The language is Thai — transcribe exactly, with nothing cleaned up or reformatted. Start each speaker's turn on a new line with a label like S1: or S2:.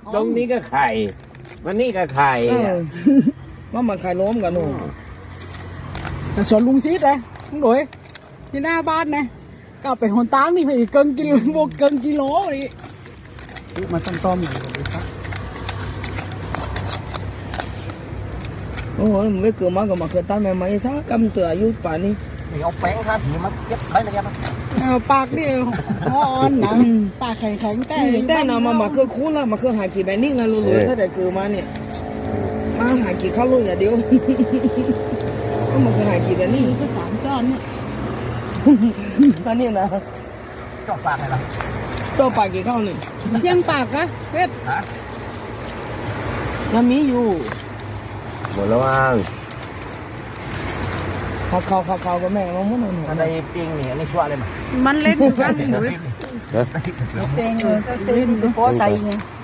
S1: ตรงนี้ก็ไข่วันนี้ก็ไข่
S2: ว่ามันไข่ล้มกันหนู
S3: แต่สวนลุงซีดเลยลุงโดยที่หน้าบ้านนะก็เอาไปหนตางนี่ไปอีกเกินกิโลโมเกินกิโลนี่มาต้มต้มหน่อยครับ
S2: โอ้ยมันไม่เกิดมาก็มาเกิดตามแม่ไม่ซะกำเตืออายุป่านนี้
S1: เอาแป้งทาสีมาเย็บไว้นะยับ
S3: เอาปากนี่อ่อนนะปากแข็งแข็งแต่
S2: แต่น่ะมามาคือคุ้นละมาคือหากี่แบบนี้ไงรู้ๆถ้าได้เกิดมาเนี่ยมาหากี่ข้าวลูกอย่าเดียวก็มาคือหากี่แบบนี้
S3: สักสามจานเนี่ย
S2: อันนี้นะ
S1: จอกปากอะไรล่ะ
S2: เจ้าป่ากี่ข้าวนี่
S3: เสียงปากอะเพชร
S1: ฮะ
S2: ยังมีอยู่
S1: หมดแล้วมั้ง
S2: ข้าวข้าวข้าวข้าวกับแม่มาหมดเลย
S1: อันใดปิ้งนี่อันนี้ชั่วเลยมั้ย
S3: มันเล็กอยู่บ้างหนู
S2: เต็งเลยเต็งพอใส่ไง